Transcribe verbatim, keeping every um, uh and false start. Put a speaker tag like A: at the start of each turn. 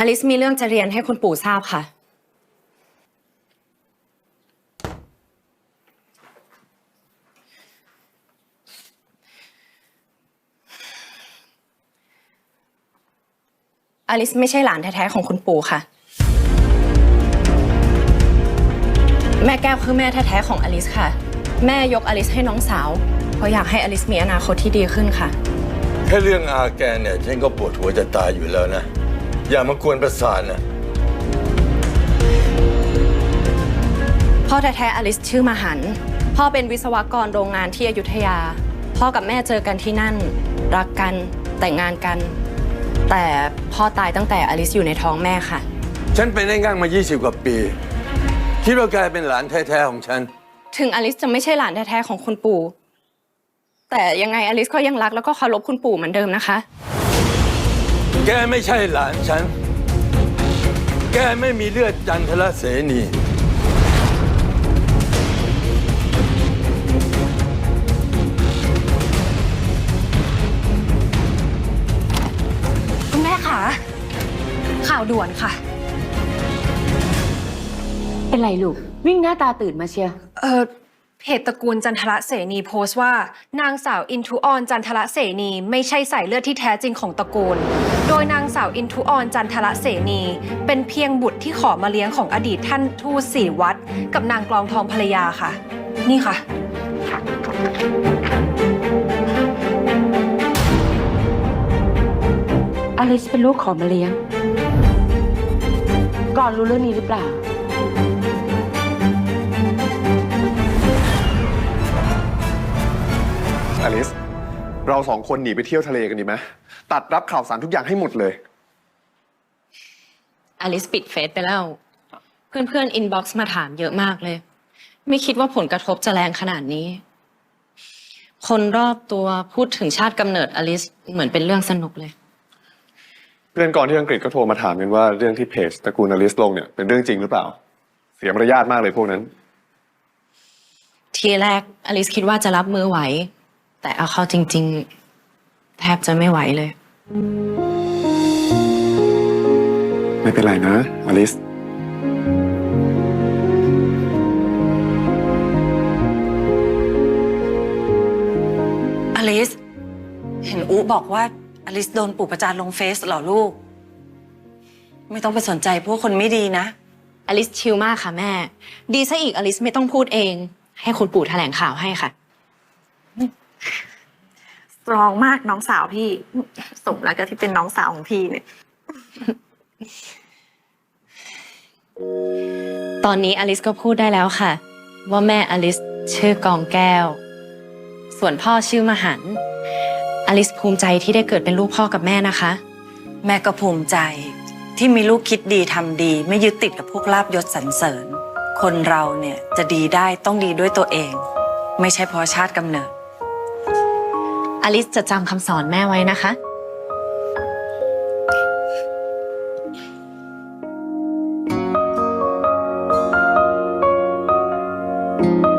A: อลิซมีเรื่องจะเรียนให้คุณปู่ทราบค่ะอลิซไม่ใช่หลานแท้ๆของคุณปู่ค่ะแม่แก้วคือแม่แท้ๆของอลิซค่ะแม่ยกอลิซให้น้องสาวเพราะอยากให้อลิซมีอนาคตที่ดีขึ้นค่ะ
B: แค่เรื่องอาแกเนี่ยฉันก็ปวดหัวจะตายอยู่แล้วนะอย่ามากวนประสาทนะ
A: พ่อแท้ๆอลิซชื่อมหันต์พ่อเป็นวิศวกรโรงงานที่อยุธยาพ่อกับแม่เจอกันที่นั่นรักกันแต่งงานกันแต่พ่อตายตั้งแต่อลิซอยู่ในท้องแม่ค่ะ
B: ฉันเป็นได้ง่างมายี่สิบกว่าปีคิดว่าแกเป็นหลานแท้ๆของฉัน
A: ถึงอลิซจะไม่ใช่หลานแท้ๆของคุณปู่แต่ยังไงอลิซก็ยังรักแล้วก็เคารพคุณปู่เหมือนเดิมนะคะ
B: แกไม่ใช่หลานฉันแกไม่มีเลือดจันทรเสนี
A: คุณแม่คะข่าวด่วนค่ะ
C: เป็นไรลูกวิ่งหน้าตาตื่นมาเชียร์
D: เออเพจตระกูลจันทระเสนีโพสต์ว่านางสาวอินทุออนจันทระเสนีไม่ใช่สายเลือดที่แท้จริงของตระกูลโดยนางสาวอินทุออนจันทระเสนีเป็นเพียงบุตรที่ขอมาเลี้ยงของอดีตท่านทูตสี่วัดกับนางกลองทองภรรยาค่ะนี่ค่ะ
C: อลิซเป็นลูกขอมาเลี้ยงก่อนรู้เรื่องนี้หรือเปล่า
E: อลิซเราสองคนหนีไปเที่ยวทะเลกันดีไหมตัดรับข่าวสารทุกอย่างให้หมดเลย
A: อลิซปิดเฟซไปแล้วเพื่อนๆอินบ็อกซ์มาถามเยอะมากเลยไม่คิดว่าผลกระทบจะแรงขนาดนี้คนรอบตัวพูดถึงชาติกำเนิดอลิซเหมือนเป็นเรื่องสนุกเลย
E: เพื่อนก่อนที่อังกฤษก็โทรมาถามกันว่าเรื่องที่เพจตระกูลอลิซลงเนี่ยเป็นเรื่องจริงหรือเปล่าเสียมารยาทมากเลยพวกนั้น
A: ทีแรกอลิซคิดว่าจะรับมือไหวแต่เอาเข้าจริงๆแทบจะไม่ไหวเลย
E: ไม่เป็นไรนะอลิซ
F: อลิซเห็นอุ๊บอกว่าอลิซโดนปู่ประจานลงเฟซเหรอลูกไม่ต้องไปสนใจพวกคนไม่ดีนะ
A: อลิซชิลมากค่ะแม่ดีซะอีกอลิซไม่ต้องพูดเองให้คุณปู่แถลงข่าวให้ค่ะ
G: สตรองมากน้องสาวพี่สมแล้วก็ที่เป็นน้องสาวของพี่เนี่ย
A: ตอนนี้อลิซก็พูดได้แล้วค่ะว่าแม่อลิซชื่อกองแก้วส่วนพ่อชื่อมหันต์อลิซภูมิใจที่ได้เกิดเป็นลูกพ่อกับแม่นะคะ
F: แม่ก็ภูมิใจที่มีลูกคิดดีทำดีไม่ยึดติดกับพวกลาภยศสรรเสริญคนเราเนี่ยจะดีได้ต้องดีด้วยตัวเองไม่ใช่เพราะชาติกำเนิด
A: อลิซจะจำคำสอนแม่ไว้นะคะ
E: อ